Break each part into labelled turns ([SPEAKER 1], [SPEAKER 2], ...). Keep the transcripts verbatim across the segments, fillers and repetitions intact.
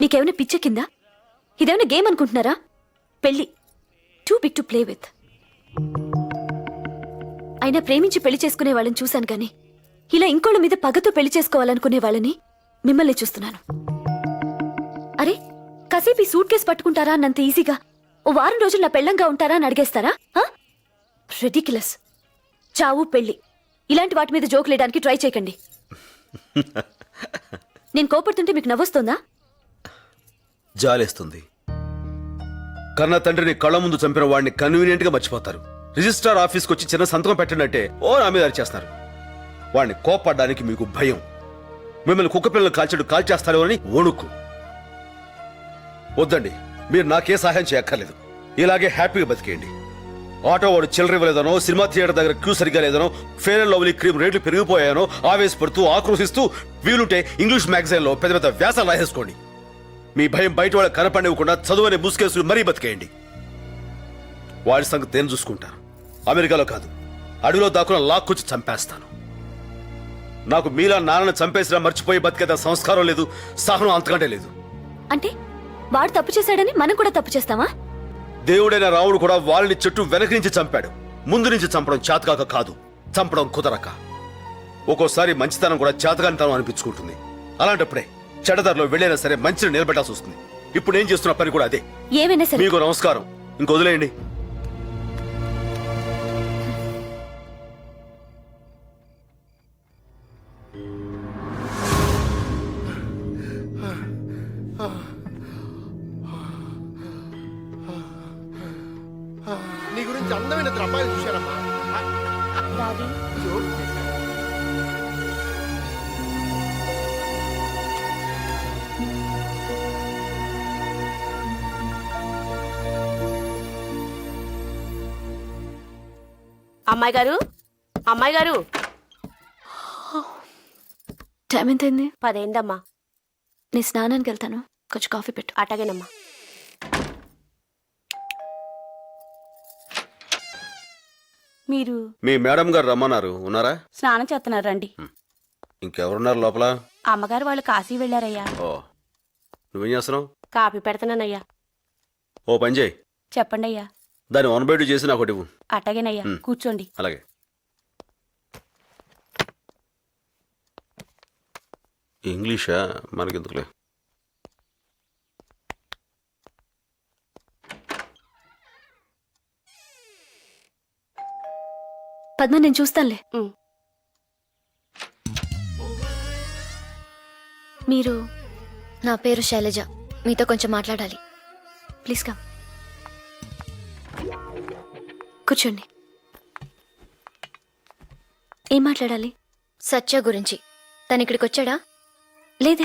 [SPEAKER 1] నీకేమైనా పిచ్చ కిందా? ఇదేమైనా గేమ్ అనుకుంటున్నారా? పెళ్లి too big to play with. అయినా ప్రేమించి పెళ్లి చేసుకునే వాళ్ళని చూశాను కానీ ఇలా ఇంకోళ్ళ మీద పగతో పెళ్లి చేసుకోవాలనుకునే వాళ్ళని మిమ్మల్ని చూస్తున్నాను. అరే కాసేపు ఈ సూట్ కేసు పట్టుకుంటారా అన్నంత ఈజీగా ఓ వారం రోజులు నా పెళ్ళంగా ఉంటారా అని అడిగేస్తారా? రెడిక్యులస్. చావు పెళ్లి ఇలాంటి వాటి మీద జోక్ లేయడానికి ట్రై చేయకండి. నేను కోపడుతుంటే మీకు నవ్వొస్తుందా?
[SPEAKER 2] జాలేస్తుంది. కన్న తండ్రిని కళ్ళ ముందు చంపిన వాడిని కన్వీనియంట్ గా మర్చిపోతారు. రిజిస్ట్రార్ ఆఫీస్కి వచ్చి చిన్న సంతకం పెట్టండి ఓ నా మీద అరిచేస్తారు. వాడిని కోపడ్డానికి మీకు భయం. మిమ్మల్ని కుక్క పిల్లలు కాల్చడు కాల్చేస్తారో అని వణుకు. వద్దండి, మీరు నాకే సహాయం చేయక్కర్లేదు. ఇలాగే హ్యాపీగా బతికేయండి. ఆటో వాడు చిల్లర ఇవ్వలేదనో, సినిమా థియేటర్ దగ్గర క్యూ సరిగా లేదనో, ఫేర్ అండ్ లవ్లీ క్రీమ్ రేట్లు పెరిగిపోయానో ఆవేశపడుతూ ఆక్రోశిస్తూ వీలుంటే ఇంగ్లీష్ మ్యాగజైన్ లో పెద్ద పెద్ద వ్యాసాలు రాసేసుకోండి. మీ భయం బయట వాళ్ళకి కనపడివ్వకుండా చదువునే ముసుకేసుకుని మరీ బతికేయండి. వాడి సంగతి నేను చూసుకుంటాను. అమెరికాలో కాదు, అడవిలో దాక్కున లాక్కొచ్చి చంపేస్తాను. నాకు మీలా నాన్నను చంపేసినా మర్చిపోయి బతికేదా సంస్కారం లేదు, సహనం అంతకంటే లేదు.
[SPEAKER 1] అంటే వాడు తప్పు చేశాడని మనం కూడా తప్పు చేస్తామా?
[SPEAKER 2] దేవుడైన రాముడు కూడా వాళ్ళని చెట్టు వెనక నుంచి చంపాడు. ముందు నుంచి చంపడం చేతకాక కాదు, చంపడం కుదరక. ఒక్కోసారి మంచితనం కూడా చేతకానితనం అనిపించుకుంటుంది. అలాంటప్పుడే చెడదారిలో వెళ్ళైనా సరే మంచిని నిలబెట్టాల్సి వస్తుంది. ఇప్పుడు నేను చేస్తున్న పని కూడా అదే.
[SPEAKER 1] ఏమైనా సరే
[SPEAKER 2] మీకు నమస్కారం, ఇంక వదిలేయండి.
[SPEAKER 3] నీ గురించి అందమైన ఇద్దరు అమ్మాయిలు చూశానమ్మా.
[SPEAKER 4] అమ్మాయి గారు, అమ్మాయి గారు,
[SPEAKER 1] టైం ఎంతైంది?
[SPEAKER 4] పదైందమ్మా.
[SPEAKER 1] నేను స్నానానికి వెళ్తాను, కొంచెం కాఫీ పెట్టు.
[SPEAKER 4] అటగేనమ్మా. మీరు
[SPEAKER 2] మీ మేడం గారు రమ్మన్నారు, ఉన్నారా?
[SPEAKER 4] స్నానం చేస్తున్నారు రండి.
[SPEAKER 2] ఇంకెవరున్నారు లోపల?
[SPEAKER 4] అమ్మగారు వాళ్ళు కాశీ వెళ్ళారయ్యా.
[SPEAKER 2] ఓ, నువ్వేం చేస్తున్నావు?
[SPEAKER 4] కాఫీ పెడతానయ్యా.
[SPEAKER 2] ఓ పని చేయి,
[SPEAKER 4] చెప్పండి అయ్యా.
[SPEAKER 2] దాన్ని వన్ బై టూ చేసి నాకు ఒకటి ఇవ్వు.
[SPEAKER 4] అటగేనయ్యా, కూర్చోండి.
[SPEAKER 2] అలాగే. ఇంగ్లీషా? మనకెందుకులే.
[SPEAKER 1] పద్మ నేను చూస్తానులే.
[SPEAKER 4] ఉమ్.
[SPEAKER 1] మీరు?
[SPEAKER 5] నా పేరు శైలజ, మీతో కొంచెం మాట్లాడాలి.
[SPEAKER 1] Please come. కూర్చోండి. ఏం మాట్లాడాలి?
[SPEAKER 5] సత్య గురించి. తను ఇక్కడికి వచ్చాడా?
[SPEAKER 1] లేదే.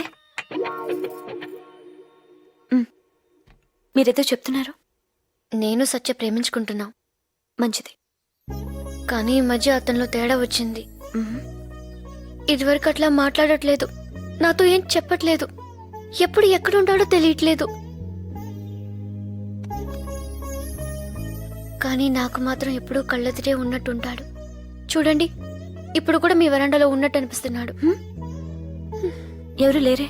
[SPEAKER 1] మ్, మీరేదో చెప్తున్నారు.
[SPEAKER 5] నేను సత్య ప్రేమించుకుంటున్నాం.
[SPEAKER 1] మంచిది.
[SPEAKER 5] కానీ ఈ మధ్య అతనిలో తేడా వచ్చింది.
[SPEAKER 1] మ్,
[SPEAKER 5] ఇదివరకు అట్లా మాట్లాడట్లేదు, నాతో ఏం చెప్పట్లేదు, ఎప్పుడు ఎక్కడుంటాడో తెలియట్లేదు. కానీ నాకు మాత్రం ఎప్పుడూ కళ్ళెదిరే ఉన్నట్టుంటాడు. చూడండి, ఇప్పుడు కూడా మీ వరండాలో ఉన్నట్టు అనిపిస్తున్నాడు.
[SPEAKER 1] మ్, ఎవరు లేరే?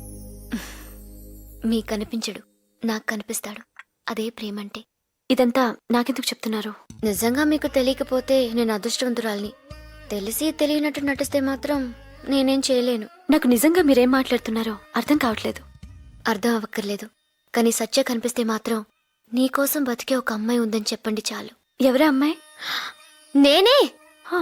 [SPEAKER 5] మీకు కనిపించడు, నాకు కనిపిస్తాడు. అదే ప్రేమంటే.
[SPEAKER 1] ఇదంతా నాకెందుకు చెప్తున్నారు?
[SPEAKER 5] నిజంగా మీకు తెలియకపోతే నేను అదృష్టవంతురాల్ని. తెలిసి తెలియనట్టు నటిస్తే మాత్రం నేనేం చేయలేను.
[SPEAKER 1] నాకు నిజంగా మీరేం మాట్లాడుతున్నారో అర్థం కావట్లేదు.
[SPEAKER 5] అర్థం అవ్వక్కర్లేదు, కానీ సత్య కనిపిస్తే మాత్రం నీకోసం బతికే ఒక అమ్మాయి ఉందని చెప్పండి చాలు.
[SPEAKER 1] ఎవరే అమ్మాయి?
[SPEAKER 5] నేనే.
[SPEAKER 1] హా.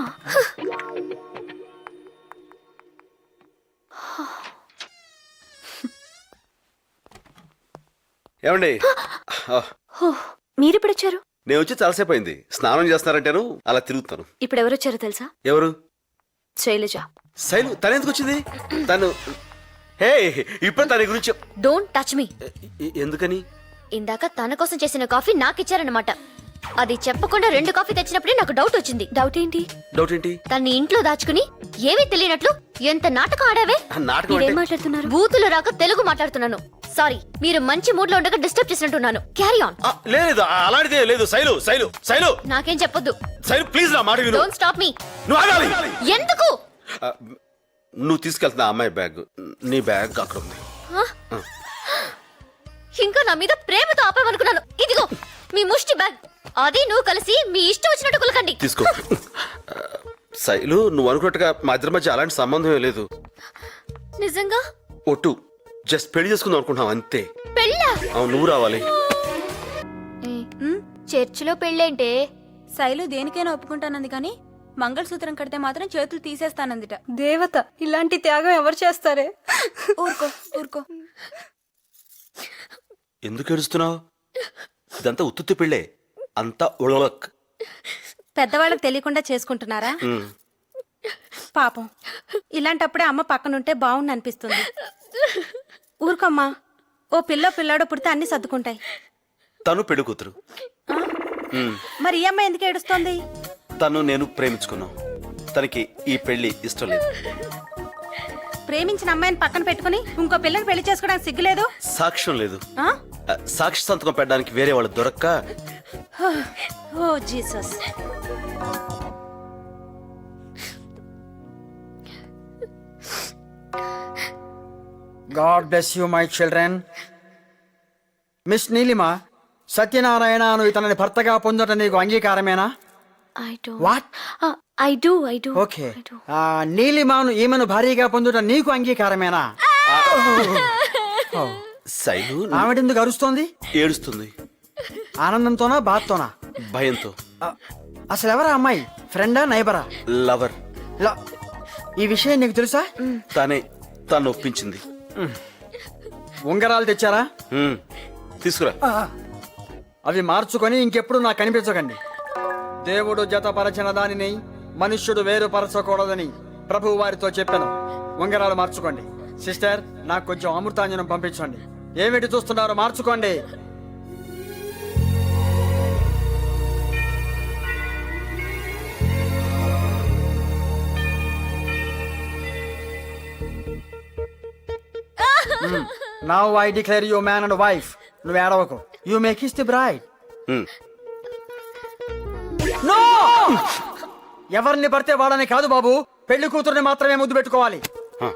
[SPEAKER 2] ఏమండి,
[SPEAKER 1] హో, మీరెప్పుడు వచ్చారు?
[SPEAKER 2] నేను వచ్చి చాలాసేపు అయింది. స్నానం చేస్తున్నారంటేను అలా తిరుగుతాను.
[SPEAKER 1] ఇప్పుడు ఎవరు వచ్చారో తెలుసా?
[SPEAKER 2] ఎవరు?
[SPEAKER 1] శైలజ.
[SPEAKER 2] శైలు? తను ఎందుకు వచ్చింది? తను హే ఇప్పుడు తన గురించి
[SPEAKER 5] డోంట్ టచ్ మీ.
[SPEAKER 2] ఎ- ఎందుకని?
[SPEAKER 5] ఇందాక తన కోసం చేసిన కాఫీ నాకు ఇచ్చారన్నమాట. అది చెప్పకుండా రెండు కాఫీ తెచ్చినప్పుడే నాకు డౌట్ వచ్చింది.
[SPEAKER 1] డౌట్ ఏంటి?
[SPEAKER 2] డౌట్ ఏంటి?
[SPEAKER 5] తన్ని ఇంట్లో దాచుకుని ఏమీ తెలియనట్లు ఎంత నాటకం ఆడావే.
[SPEAKER 2] ఆ నాటకం
[SPEAKER 1] మీరేం
[SPEAKER 2] అంటే
[SPEAKER 1] మాట్లాడుతున్నారు?
[SPEAKER 5] బూతులు రాక తెలుగు మాట్లాడుతున్నాను. సారీ, మీరు మంచి మూడ్ లో ఉండగా డిస్టర్బ్ చేసినట్టున్నాను. Carry on.
[SPEAKER 2] ఆ, లేదు, అలాంటిదే లేదు. శైలు శైలు శైలు
[SPEAKER 5] నాకేం చెప్పొద్దు.
[SPEAKER 2] శైలు ప్లీజ్ నా మాట విను.
[SPEAKER 5] Don't stop me.
[SPEAKER 2] నువ్వు ఆగాలి.
[SPEAKER 5] ఎందుకు?
[SPEAKER 2] ఆ, నువ్వు తీసుకెళ్తున్నా అమ్మాయి బ్యాగ్. నీ బ్యాగ్ అక్కడ ఉంది.
[SPEAKER 5] ఆ? నా మీద ప్రేమతో ఆపామనుకున్నాను. ఇదిగో మీ ముష్టి బ్యాగ్. అది నువ్వు కలిసి మీ ఇష్టం వచ్చినట్టు కులకండి.
[SPEAKER 2] తీసుకో. శైలు, నువ్వు అనుకున్నట్టుగా మా ఇద్దరి మధ్య అలాంటి సంబంధం లేదు.
[SPEAKER 5] నిజంగా
[SPEAKER 2] ఒట్టు, జస్ట్ పెళ్లి చేసుకుందాం అనుకుంటున్నాం అంతే.
[SPEAKER 5] పెళ్ళా?
[SPEAKER 2] అవును, నువ్వు రావాలి.
[SPEAKER 5] చర్చిలో పెళ్ళేంటే?
[SPEAKER 6] శైలు దేనికైనా ఒప్పుకుంటానంది కానీ మంగళసూత్రం కడితే మాత్రం చేతులు తీసేస్తానందిట.
[SPEAKER 7] దేవత ఇలాంటి త్యాగం ఎవరు చేస్తారే?
[SPEAKER 6] ఊరుకో ఊరుకో.
[SPEAKER 2] ఎందుకు ఏడుస్తున్నావు? ఇదంతా ఉత్తుత్తి పెళ్ళే, అంతా ఉళలక్.
[SPEAKER 6] పెద్దవాళ్ళకి తెలియకుండా చేసుకుంటున్నారా? పాపం, ఇలాంటప్పుడే అమ్మ పక్కనుంటే బాగుండు అనిపిస్తుంది. ఊరుకోమ్మా, ఓ పిల్ల పిల్లాడో పుడితే అన్ని సర్దుకుంటాయి.
[SPEAKER 2] తను పెళ్లి కూతురు.
[SPEAKER 6] మరి ఈ అమ్మాయి ఎందుకు ఏడుస్తోంది?
[SPEAKER 2] తను నేను ప్రేమించుకున్నాం. తనకి ఈ పెళ్లి ఇష్టం లేదు.
[SPEAKER 6] ప్రేమించిన అమ్మాయిని పక్కన పెట్టుకుని ఇంకో పిల్లని పెళ్లి చేసుకోవడానికి సిగ్గులేదు?
[SPEAKER 2] సాక్ష్యం లేదు.
[SPEAKER 6] ఆ?
[SPEAKER 2] ఆ, సాక్షి సంతకం పెట్టడానికి వేరే వాళ్ళు దొరక్క.
[SPEAKER 6] Oh Jesus.
[SPEAKER 8] God bless you, my children. Miss Neelima, Satyanarayana అను ఇతనిని భర్తగా పొందటం నీకు అంగీకారమేనా?
[SPEAKER 5] I do
[SPEAKER 8] what?
[SPEAKER 5] I do I do
[SPEAKER 8] okay. నీలిమాను ఈమెను భార్యగా పొందుట నీకు అంగీకారమేనా?
[SPEAKER 2] శైలు,
[SPEAKER 8] ఆవిడెందుకు అరుస్తోంది?
[SPEAKER 2] ఏడుస్తుంది.
[SPEAKER 8] ఆనందంతోనా బాధతోనా?
[SPEAKER 2] భయంతో.
[SPEAKER 8] ఆ, అసలు ఎవరా అమ్మాయి? ఫ్రెండా నైబరా?
[SPEAKER 2] లవర్.
[SPEAKER 8] ల- ఈ విషయం నీకు తెలుసా?
[SPEAKER 2] తనే తను ఒప్పించింది.
[SPEAKER 8] ఉంగరాలు తెచ్చారా?
[SPEAKER 2] ఉమ్, తీసుకురా.
[SPEAKER 8] ఆ, అవి మార్చుకొని ఇంకెప్పుడు నాకు కనిపించకండి. దేవుడు జతపరచిన దానిని మనుష్యుడు వేరుపరచకూడదని ప్రభువు వారితో చెప్పాను. ఉంగరాలు మార్చుకోండి. సిస్టర్, నాకు కొంచెం అమృతాంజనం పంపించండి. ఏమిటి చూస్తున్నారో మార్చుకోండి. Now I declare you man and wife. నువ్వు ఏడవకు. You may kiss the bride.
[SPEAKER 2] Um.
[SPEAKER 8] No! ఎవరిని పడితే వాడని కాదు బాబు, పెళ్లి కూతుర్ని మాత్రమే ముద్దు పెట్టుకోవాలి.
[SPEAKER 2] ఆ.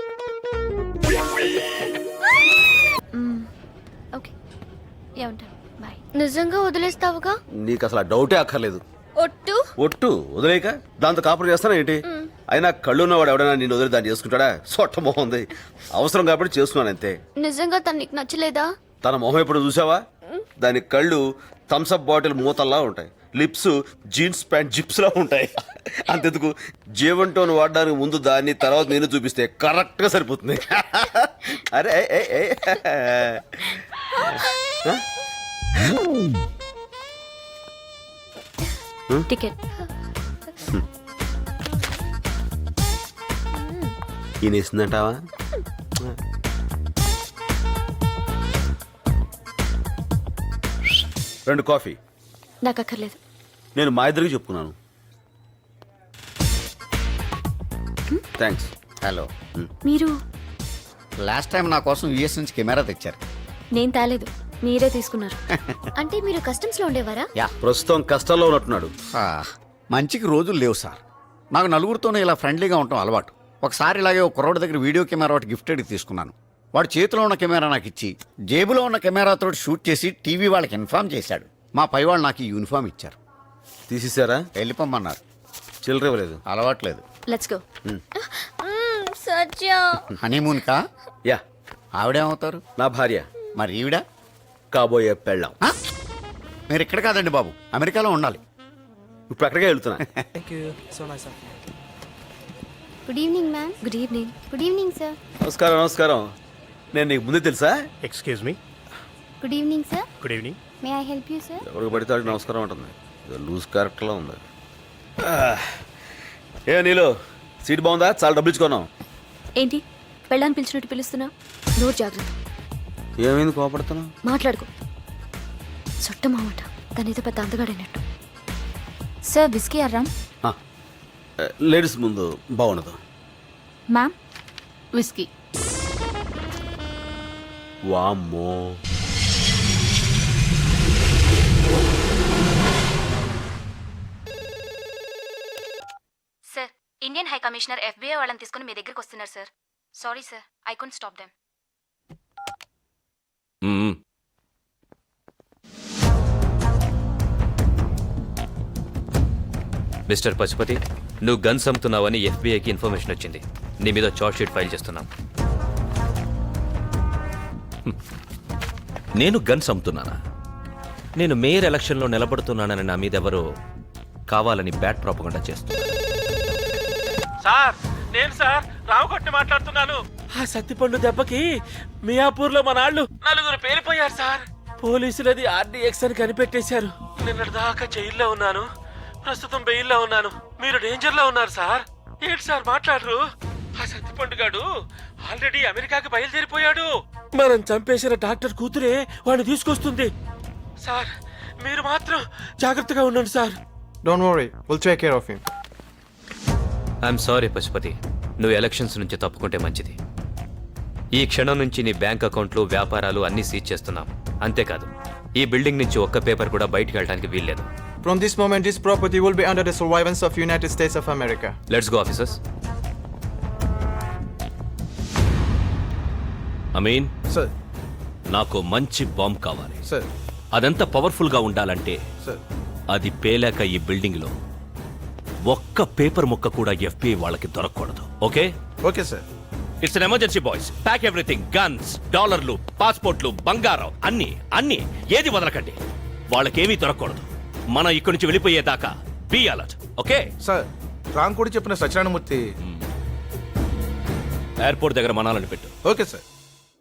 [SPEAKER 5] ఓకే, ఏమంటారు? బాయ్. నిజంగా వదిలేస్తావుగా?
[SPEAKER 2] నీకు అసలు ఆ డౌటే అక్కర్లేదు.
[SPEAKER 5] ఒట్టు?
[SPEAKER 2] ఒట్టు వదిలేక దాంతో కాపురం చేస్తానా ఏంటి? అయినా కళ్ళు ఉన్నవాడు ఎవడైనా నేను వదిలి దాన్ని చేసుకుంటాడా? సొట్ట మొహం ఉంది. అవసరం కాబట్టి చేసుకున్నాను అంతే.
[SPEAKER 5] నిజంగా తను నీకు నచ్చలేదా?
[SPEAKER 2] తన మొహం ఎప్పుడు చూసావా? దాని కళ్ళు థమ్స్అప్ బాటిల్ మూతల్లా ఉంటాయి, లిప్స్ జీన్స్ ప్యాంట్ జిప్స్ లా ఉంటాయి. అంతెందుకు, జీవన్ టోన్ వాడడానికి ముందు దాన్ని, తర్వాత నేను చూపిస్తే కరెక్ట్ గా సరిపోతుంది. అరే ఏ, ఏ, ఏ.
[SPEAKER 1] టికెట్.
[SPEAKER 2] ఈయన ఇస్తుందంటావా? రెండు కాఫీ.
[SPEAKER 1] నాకు అక్కర్లేదు.
[SPEAKER 2] నేను మా ఇద్దరికి చెప్పుకున్నాను. థ్యాంక్స్.
[SPEAKER 9] హలో,
[SPEAKER 1] మీరు?
[SPEAKER 9] లాస్ట్ టైం నా కోసం యూఎస్ నుంచి కెమెరా తెచ్చారు.
[SPEAKER 1] నేను తేలేదు, మీరే తీసుకున్నారు.
[SPEAKER 5] అంటే మీరు కస్టమ్స్ లో ఉండేవారా?
[SPEAKER 9] యా,
[SPEAKER 2] ప్రస్తుతం కష్టాల్లో ఉన్నట్టున్నాడు.
[SPEAKER 9] ఆ, మంచికి రోజులు లేవు సార్. నాకు నలుగురితోనే ఇలా ఫ్రెండ్లీగా ఉండటం అలవాటు. ఒకసారి ఇలాగే ఒక కుర్రోడి దగ్గర వీడియో కెమెరా ఒకటి గిఫ్టెడ్ తీసుకున్నాను. వాడు చేతిలో ఉన్న కెమెరా నాకు ఇచ్చి జేబులో ఉన్న కెమెరాతో షూట్ చేసి టీవీ వాళ్ళకి ఇన్ఫార్మ్ చేశాడు. మా పై వాళ్ళు నాకు ఈ యూనిఫామ్ ఇచ్చారు.
[SPEAKER 2] తీసేశారా?
[SPEAKER 9] వెళ్ళిపోమన్నారు.
[SPEAKER 2] చిల్లర ఇవ్వలేదు.
[SPEAKER 9] అలవాట్లేదు.
[SPEAKER 1] Let's go.
[SPEAKER 5] సత్య.
[SPEAKER 9] హనీమూన్ కా?
[SPEAKER 2] యా.
[SPEAKER 9] ఆవిడేమవుతారు?
[SPEAKER 2] నా భార్య.
[SPEAKER 9] మరి ఈవిడ?
[SPEAKER 2] కాబోయే పెళ్ళాం.
[SPEAKER 9] ఆ? మీరు ఇక్కడ కాదండి బాబు, అమెరికాలో ఉండాలి.
[SPEAKER 2] ఇప్పుడు అక్కడికే వెళ్తున్నా.
[SPEAKER 5] Good evening ma'am.
[SPEAKER 1] Good evening.
[SPEAKER 5] Good evening sir.
[SPEAKER 2] నమస్కారం. నమస్కారం. నేను నీకు ముందే తెలుసా?
[SPEAKER 10] Excuse me.
[SPEAKER 5] Good evening sir.
[SPEAKER 10] Good evening.
[SPEAKER 5] May I help you sir?
[SPEAKER 2] ఎవరికి పడితే వాడికి నమస్కారం ఉంటుంది. లూజ్ క్యారెక్టర్లో ఉంది. ఏ నీలో సీట్ బాగుందా? చాలా డబ్బులు ఇచ్చుకున్నాం.
[SPEAKER 1] ఏంటి పెళ్ళాన్ని పిలిచినట్టు పిలుస్తున్నా? నోరు జాగ్రత్త.
[SPEAKER 2] ఏమైంది కోపడుతున్నావు?
[SPEAKER 1] మాట్లాడుకో. చుట్ట మామట తనేదో పెద్ద అందగాడైనట్టు.
[SPEAKER 6] సార్ బిస్కీ అర్రామ్.
[SPEAKER 2] లేడీస్ ముందు బాగుండదు.
[SPEAKER 6] Ma'am whisky.
[SPEAKER 2] వామ్మో.
[SPEAKER 1] Sir, Indian high commissioner FBI వాళ్ళని తీసుకుని మీ దగ్గరికి వస్తున్నారు sir. Sorry sir, I could stop them.
[SPEAKER 10] Mister Pashupathi, నువ్వు గన్స్ అమ్ముతున్నావని ఎఫ్బీఐకి ఇన్ఫర్మేషన్ వచ్చింది. నీ మీద చార్జ్ షీట్ ఫైల్ చేస్తున్నాం.
[SPEAKER 11] నేను గన్స్ అమ్ముతున్నానా? నేను మేయర్ ఎలక్షన్లో నిలబడుతున్నానని నా మీద ఎవరు కావాలని బ్యాడ్ ప్రాపగండా చేస్తున్నారు.
[SPEAKER 12] సార్ నేను సార్ రామకొట్టి మాట్లాడుతున్నాను. ఆ సత్తిపండు దెబ్బకి మియాపూర్ లో మన నాళ్ళు నలుగురు పేలిపోయారు సార్. పోలీసులది ఆర్డీఎక్స్ అని కనిపెట్టేశారు. నిన్నటి దాకా జైల్లో ఉన్నాను, ప్రస్తుతం బెయిల్లో ఉన్నాను. మీరు డేంజర్ లో ఉన్నారు సార్. ఏంటి సార్ మాట్లాడరు? ఆ సత్తిపండు గాడు ఆల్రెడీ అమెరికాకి బయలుదేరిపోయాడు. మనం చంపేసిన డాక్టర్ కూతురే వాడిని తీసుకొస్తుంది. సార్ మీరు మాత్రం జాగ్రత్తగా ఉండండి sir.
[SPEAKER 3] Don't worry, will take care of him.
[SPEAKER 10] I'm sorry Pashupathi, నువ్వు ఎలక్షన్స్ నుంచి తప్పుకుంటే మంచిది. ఈ క్షణం నుంచి నీ బ్యాంక్ అకౌంట్లు, వ్యాపారాలు అన్నీ సీజ్ చేస్తున్నాం. అంతేకాదు, ఈ బిల్డింగ్ నుంచి ఒక్క పేపర్ కూడా బయటికి వెళ్ళడానికి వీల్లేదు.
[SPEAKER 3] From this moment, this property will be under the surveillance of United States of America.
[SPEAKER 10] Let's go officers.
[SPEAKER 11] Ameen,
[SPEAKER 3] Sir,
[SPEAKER 11] నాకు మంచి బాంబ్ కావాలి.
[SPEAKER 3] sir,
[SPEAKER 11] అదెంత పవర్ఫుల్ గా ఉండాలంటే
[SPEAKER 3] sir.
[SPEAKER 11] అది పేలాక ఈ బిల్డింగ్ లో ఒక్క పేపర్ ముక్క కూడా ఎఫ్బిఐ వాళ్ళకి దొరకకూడదు. Okay?
[SPEAKER 3] Okay, sir.
[SPEAKER 11] It's an emergency boys. Pack everything, guns, డాలర్లు, పాస్పోర్ట్లు, బంగారం, అన్ని అన్ని ఏది వదలకండి. వాళ్ళకేమీ దొరకకూడదు. మనం ఇక్కడి నుంచి వెళ్ళిపోయేదాకా be alert. Okay?
[SPEAKER 3] Sir, Ram కూడా చెప్పిన సత్యనారాయణమూర్తి.
[SPEAKER 11] ఎయిర్పోర్ట్ దగ్గర మనాలని పెట్టు.
[SPEAKER 3] Okay sir.